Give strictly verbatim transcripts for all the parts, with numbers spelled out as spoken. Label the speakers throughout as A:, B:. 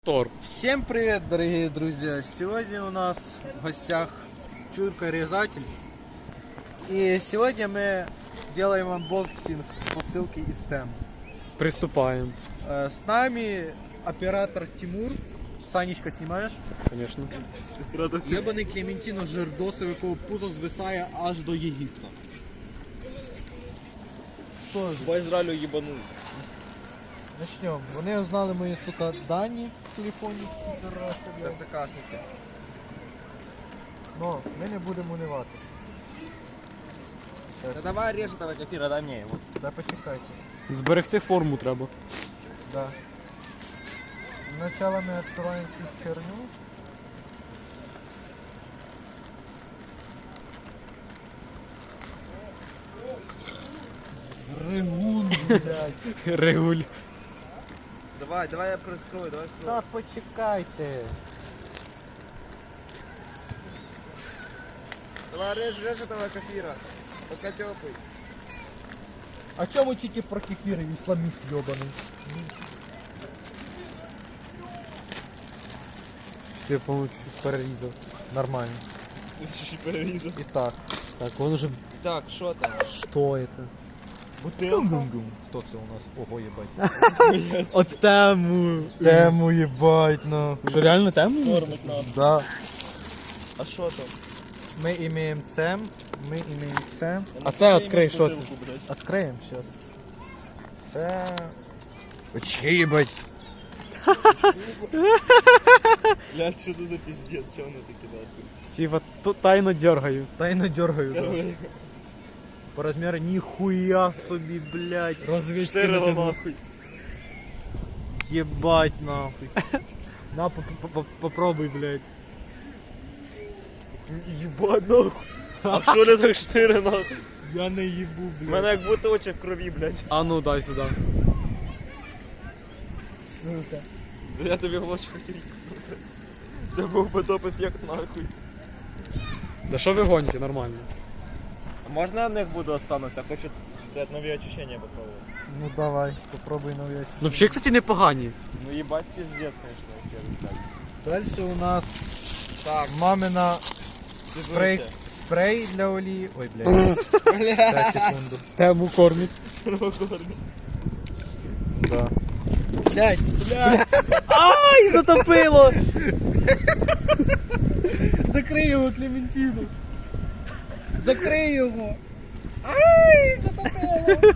A: Тор.
B: Всем привет, дорогие друзья! Сегодня у нас в гостях Чурка-резатель. И сегодня мы делаем анбоксинг посылки из Тем.
A: Приступаем.
B: Э, С нами оператор Тимур. Санечка, снимаешь?
A: Конечно.
B: Єбаний Клементіно Жирдосов, якого пузо звисає аж до Єгипта. Що ж,
C: По Ізраїлю їбанув.
B: почнемо. Вони узнали мої, сука, дані в телефоні.
C: Це кашники.
B: Но ми не будемо унивати.
C: Та давай режь этого кефира, дай мне его.
B: Да почекайте.
A: Зберегти форму треба.
B: Да. Сначала мы открываем всю херню. Рыгун, блядь.
A: Регуль.
C: Давай, давай я прискрою, давай скрою.
B: Да почекайте.
C: Давай режь, режь этого кефира. Пока теплый.
B: А чё вы тільки про кефир, исламист ёбаный?
A: Я, по-моему, чуть перерізав.
B: Нормально.
C: Чуть-чуть перерезал.
B: Итак.
A: Так, он уже...
C: Так, что там?
A: Что это?
C: Бутылка.
B: Кто це у нас? Ого, ебать.
A: От тему.
B: Тему ебать, нахуй.
A: Що, реально тему?
C: Тормоз нам.
B: Да.
C: А что там?
B: Мы имеем цем, мы имеем цем.
A: А це відкрий, що це?
B: Откроем сейчас. Це... Очки, ебать.
C: Блядь, что это за пиздец, что он это кидает?
A: Типа, тут тайно дергаю.
B: Тайно дергаю, да. По размеру нихуя собі, блядь.
A: Розвічки
C: Штырила нахуй.
B: Ебать нахуй. На, по- по- по- попробуй, блядь.
C: Ебать нахуй. А что ли так штыри нахуй?
B: Я не ебу,
C: У
B: блядь.
C: мене як будто очі в крові, блядь.
A: А ну, дай сюди.
B: Сука.
C: Я тобі в очі хотів. Це був би топ-ефект нахуй.
A: Да що ви гоните, нормально.
C: А можна я на них буду остануся? Хочу, блядь, нові очищення попробувати.
B: Ну давай, попробуй новый.
A: Ну, взагалі, кстати, непогані.
C: Ну ебать пиздец, конечно, эфир, блядь.
B: Дальше у нас
C: Так,
B: мамина спрей,
C: дивіться.
B: спрей для олії. Ой, блядь. Пять секунду.
A: Тему кормить.
B: Да. Блядь,
A: Ай, затопило!
B: закрий його, Клементину. Закрий його. Ай, затопило.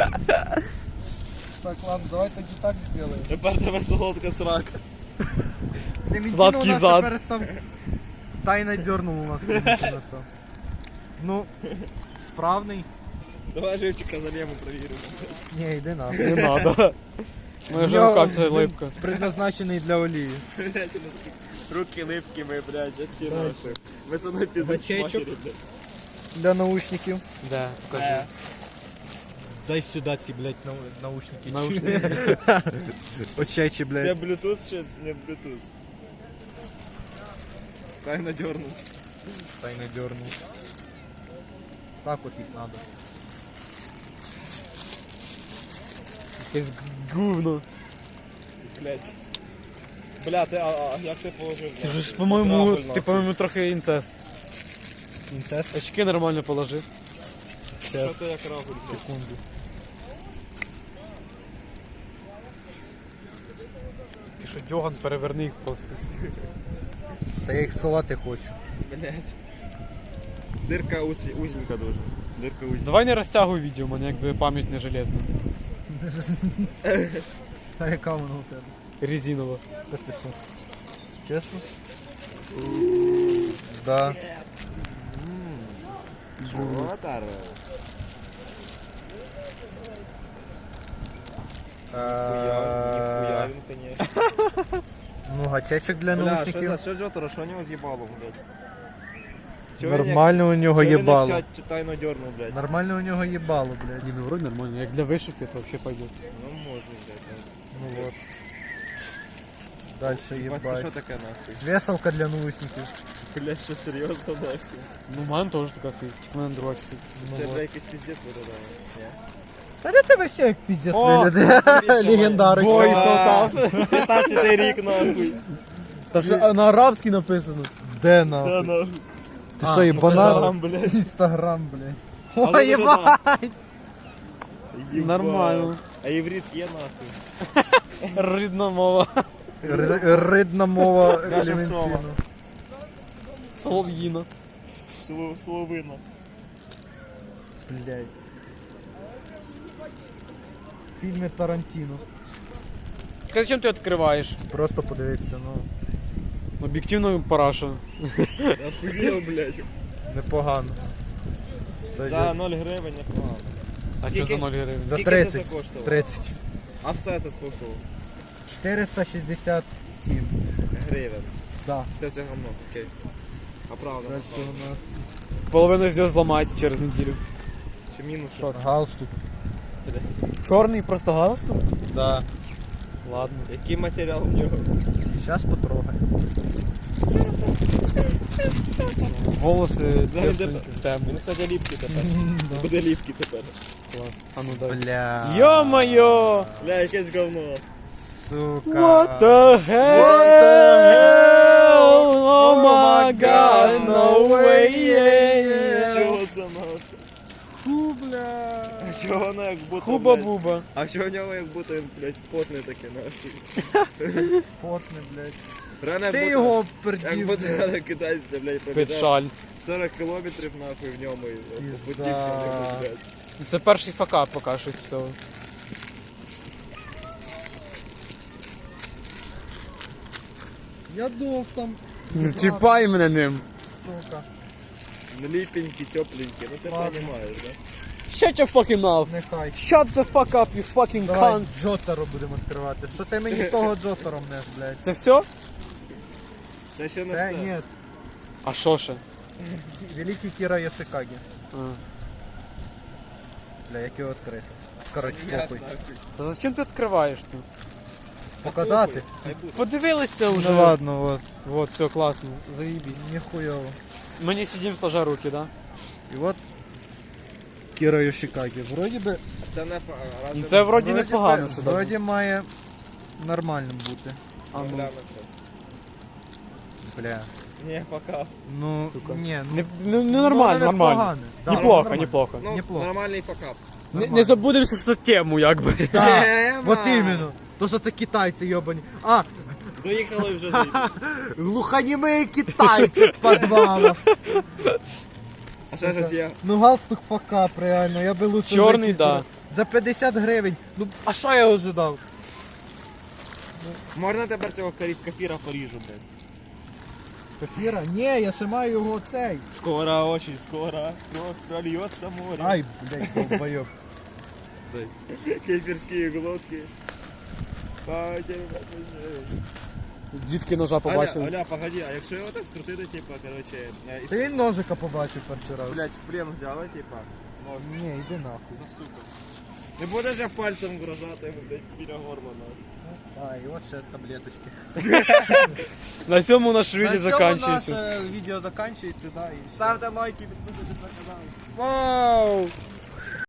B: Так, ладно, давай тоді так сделаем.
C: Тепер тебе солодка срака.
B: Клементина у
A: Сладкий
B: нас
A: зад.
B: тепер став... Тайно дернул у нас Клементина став. Ну, справний.
C: Давай живчика залємо провіримо.
B: Не, йди нахуй.
A: Не надо. Моя вже рука вся липка.
B: Предназначений для олії.
C: Блядь, у нас такі руки липкі ми, блядь, оці
B: Да.
C: нахуй. Ми со мною піздець
B: Бачечок.
C: матері, блядь.
B: Для наушників.
A: Де? Покажи.
C: Е.
B: Дай сюди ці, блядь, нау- наушники.
A: Наушники.
B: Очечі,
C: Це
B: блядь.
C: Bluetooth чи це не Bluetooth? Правильно дернув.
B: Тайно дернул. Так от їх надо.
A: Якесь говно.
C: Блядь. Бля, ти, а, а як ти положив?
A: Ти
C: блядь?
A: ж, по-моєму,
C: Правильно,
A: ти,
C: нахуй.
A: по-моєму, трохи інцест.
B: Інцест.
A: Очки нормально положив.
C: Що ти як рагуль, блядь?
B: Секунду.
A: Ти що, Дьоган, переверни їх просто.
B: Та я їх сховати хочу.
C: Блядь. Дирка узі, узенька дуже. Дирка узенька.
A: Давай не розтягуй відео, у мене якби пам'ять не железна.
B: А яка вона у тебе?
A: Резинова.
B: Та ти що? Чесно? Да.
C: Жовтар. Ніхуя він, конечно.
B: Ну, гачечок для
C: Бля, що
B: наушників.
C: за що Жотара, що у нього з'їбало, блядь? Чого він як-
B: Нормально у нього
C: чого він як
B: їбало.
C: ча- Тайно дернув, блядь.
B: Нормально у нього їбало, блядь.
A: Ні, ну вроде нормально. Як для вишивки, то взагалі пойде.
C: Ну може, блядь.
B: Ну вот. Дальше
C: Ебать, це що
B: їбать.
C: таке нахуй?
B: Веселка для наушників.
C: Блядь, що серйозно нахуй?
A: Ну, в мене теж така стоїть. У мене друга стоїть.
B: Ну
C: Це,
B: вот.
C: блядь, якийсь пиздец виглядає. Ні?
B: Та де тебе все як піздець
A: О,
B: виглядає. Легендарочка.
A: Бой Салтав.
C: п'ятнадцятий рік нахуй.
A: Та що на арабській написано.
B: Де
C: Да,
B: нахуй?
C: нахуй.
B: Ти що, їбанат?
C: Інстаграм, блядь.
B: Інстаграм, блядь.
C: Але
B: Ой, єбать!
C: Єбать.
A: Нормально.
C: А єврит є нахуй.
A: Рідна мова.
B: Р- Ридна мова
C: Каже
B: елементарно.
C: Сова.
A: Солов'їна.
C: Слово- Словина.
B: Блядь. Фільми Тарантіно.
A: Зачем ти відкриваєш?
B: Просто подивитися, ну,
A: Об'єктивно параша.
C: Охуєл, блядь.
B: непогано. Це
C: За
B: є-
C: ноль гривень непогано.
A: А
C: Скільки?
A: що за ноль гривень?
B: За
C: Скільки
B: тридцять.
C: це коштувало?
B: тридцять.
C: А все це скоштувало?
B: чотириста шістдесят сім.
C: Гривень.
B: Да.
C: Все це говно, окей. А правда,
B: Дальше
C: правда.
B: у нас
A: Половину з нього зламається через неділю.
C: Чи мінус?
A: Що це?
B: галстук.
A: Чорний просто галстук?
B: Да.
A: Ладно.
C: Який матеріал в нього?
B: Сейчас потрогай.
A: Волоси
C: Да,
A: девственні,
C: він,
A: темні.
C: він, кстати, ліпкий тепер. Буде ліпкий тепер.
A: Клас. А ну дай.
B: Бля.
A: Йо-моє!
C: Бля, якесь говно.
B: Сука.
A: What the hell?
B: What the hell?
A: Oh my god, no way!
C: Чого це нахуй?
B: Фу, бля.
C: А чого воно як будто, блядь?
A: Хуба-буба.
C: А чого в нього як будто він, блядь, потний такий нахуй?
B: Потне, блядь.
C: Реально як
B: Ти
C: будто-
B: його
C: Як
B: пердів,
C: будто
B: блядь.
C: реально китайця, блядь,
A: Під
C: пробігав
A: шаль.
C: сорок кілометрів нахуй в ньому і
B: Пізда.
C: по путі все, блядь.
A: Це перший факап поки щось всього.
B: Я дов там.
A: Не чіпай мене ним.
B: Сука.
C: Ліпенький, тепленький, ну ти
B: Ладно.
C: розумієш, да?
A: Shut your fucking mouth.
B: Нехай.
A: Shut the fuck up, you fucking
B: Давай
A: cunt.
B: Джотаро будемо відкривати. Що ти мені того Джотаро мнеш, блядь?
A: Це все?
C: Це ще не
B: Це
C: все.
B: ні.
A: А що ще?
B: Великий Кіра Яшикагі.
A: А.
B: Бля, як його відкрити? Коротше,
C: Я
B: похуй.
C: нахуй.
A: Та зачем ти відкриваєш тут?
B: Показати?
C: Хай буде.
A: Подивилися вже.
B: Ну ладно, вот.
A: Вот, все класно. Заїбісь.
B: Ніхуйово.
A: Ми не сидимо сложа руки, да?
B: І от Кіра Йошикагі. Вроді би...
C: Це не фа- разве
A: Ну, це вроді
B: вроді
A: непогано,
B: би-
A: що
B: Вроді
A: даже.
B: має нормальним бути.
A: А ну.
C: Глянемо щас.
B: Бля.
C: Ні, пока.
B: Ну,
A: Сука.
B: ні, ну...
A: Не, ну,
B: ну,
A: ну нормально,
B: воно
A: нормально.
B: непогане. Да,
A: Неплохо,
B: нормально.
A: неплохо.
C: Ну,
B: Неплохо.
C: нормальний факап.
A: Не,
B: Нормально.
A: не забудемося за тему, якби.
B: Да,
C: Тема!
B: вот іменно. То, що це китайці йобані. А,
C: Доїхали вже заїбись.
B: глухонімі китайці в підвалах.
C: А ще щось є.
B: Ну галстук факап, реально, я би лучше...
A: Чорний,
B: за
A: да.
B: кіт- За п'ятдесят гривень. Ну, а що я ожидав?
C: Можна тепер цього карі- кафіра поріжу, блядь.
B: Кефіра? Ні, я ще маю його цей.
C: Скоро, очень скоро, кровь прольется море.
B: Ай, блядь, долбойоб.
C: Кефірські глотки.
A: Дітки ножа
C: Аля,
A: побачили.
C: Аля, погоди, а якщо його так скрутити, типа, короче, е, і
B: Ти він ножика побачив перший раз.
C: блядь, в плен взяли, типа, нож,
B: Ні, йди нахуй.
C: ну, сука. Не будеш я пальцем вгрожати йому, блядь, біля горла, нахуй.
B: А, і от ще таблеточки.
A: На цьому наш відео
B: На цьому
A: закінчується.
B: наше відео закінчується, да, і все.
C: Ставте лайки, підписуйтесь на канал.
A: Вау!